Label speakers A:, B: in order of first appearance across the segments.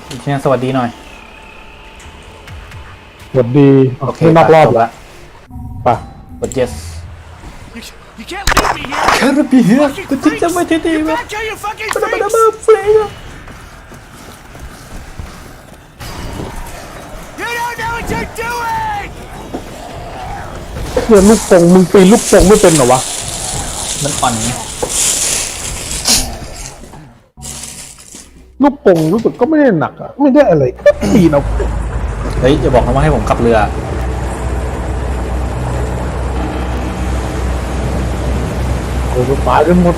A: เชียสวัสดีหน่อย
B: สวัสดีโอเคนอกรอบละป่ะ
A: กด yes Can't be here กูจะไม่ที่ดีมั้ยมันมาเฟรย์
B: เพื่อนลูกโป่งมึงปีนลูกโป่งไม่เป็นเหรอวะ
A: มันอ่อน
B: ลูกโป่งรู้สึกก็ไม่ได้หนักอะไม่ได้อะไรก็ปีนเอา
A: เฮ้ยจะบอกนะว่าให้ผมขับเรือ
B: โอ้โหตายกันหมด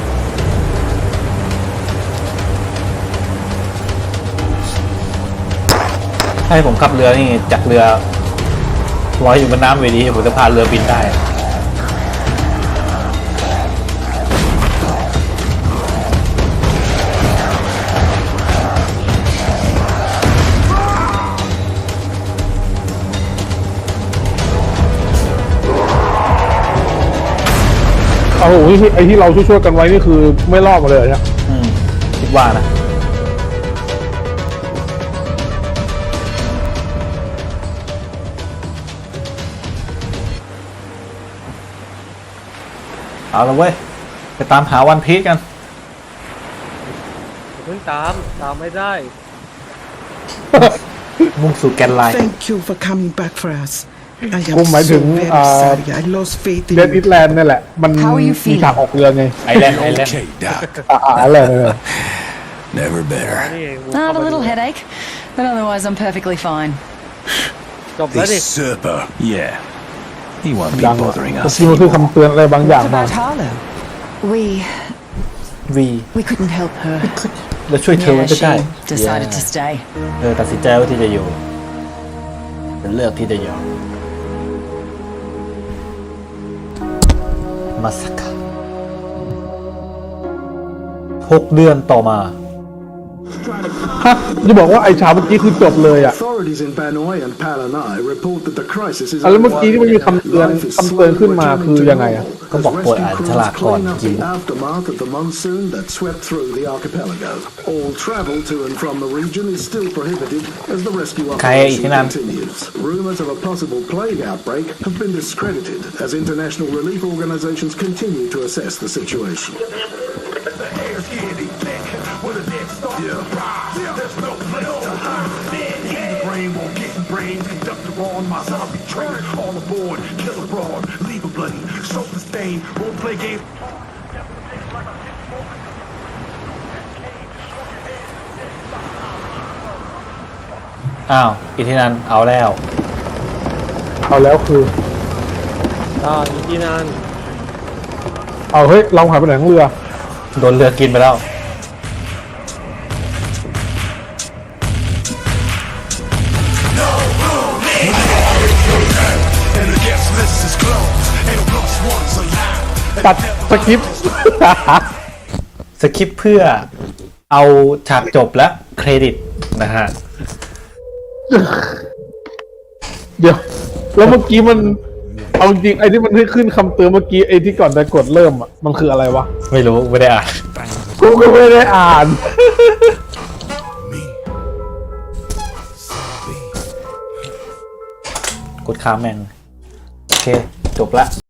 A: ให้ผมขับเรือนี่จากเรือลอยอยู่บนน้ำเวดีผมจะพาเรือบินได้
B: โอ้โหไอ้ที่เราช่วยๆกันไว้นี่คือไม่รอดมาเลยเนี่ย
A: คิดว่านะเอาละเว้ยไปตามหาวันพีชกัน
C: เพิ่งตามไม่ได้
A: มุ่งสู่แกนไลน์
D: Thank you for coming back for us. I
B: กู
D: am
B: หมายถึ
D: so
B: ง
D: very sorry. I lost faith in
B: เดดอิ
D: you.
B: ทแลนด์นี่แหละมันมีฉากออกเรือไง
A: ไอแลนด์
E: Okay, Doc.
B: อะไรเนี่ย
E: Never better.
F: I have a little headache, but otherwise I'm perfectly fine.
C: จบแล้วดิ
E: This Serper. Yeah. He won't be
B: ดัง
E: bothering
B: เมื่อ
E: us
B: กี้มันคือ
E: anymore.
B: คำเตือนอะไรบางอย่าง
F: What
B: มา
F: about Harlow?
A: We
F: We couldn't help her.
A: เราช่วยเธอ
F: Yeah,
A: ไม่ได้
F: she decided to stay.
A: เธอตัดสินใจว่าที่จะอยู่เป็นเลือกที่จะอยู่มาสัก6 เดือนต่อมา
B: ฮะจะบอกว่าไอ้ฉากเมื่อกี้คือจบเลยอ่ะ
G: Authorities in Banoi and Palanai report that the crisis is
B: แล้วเมื่อกี้ที่มันมีคำเตือนขึ้นมาคือยังไงอ่ะ
A: ก็บอกโปรดอ่านฉลากก่อนกิน
G: aftermath of the monsoon that swept through the archipelago. All travel to and from the region is still prohibited as the rescue operation continues. Rumors of a possible plague outbreak have been discredited as international relief organizations continue to assess the situation. Brains, conductor on my zombie train. All aboard, kill abroad, leave a bloody, soap the stain, won't play games.
A: อ้าวอิทธินันเอาแล้ว
B: เอาแล้วคือ
C: อีกที่นั่น
B: เอาเฮ้ยเราหายไปไหนของเรือ
A: โดนเรือกินไปแล้ว
B: ตัดสคริปต์
A: สคริปต์เพื่อเอาฉากจบและเครดิตนะฮะ
B: เดี๋ยวแล้วเมื่อกี้มันเอาจริงไอ้ที่มันให้ขึ้นคำเตือนเมื่อกี้ไอ้ที่ก่อนจะกดเริ่มอ่ะมันคืออะไรวะ
A: ไม่รู้ไม่ได้อ่าน
B: กูก็ไม่ได้อ่าน
A: กดค้างแม่งโอเค จบละ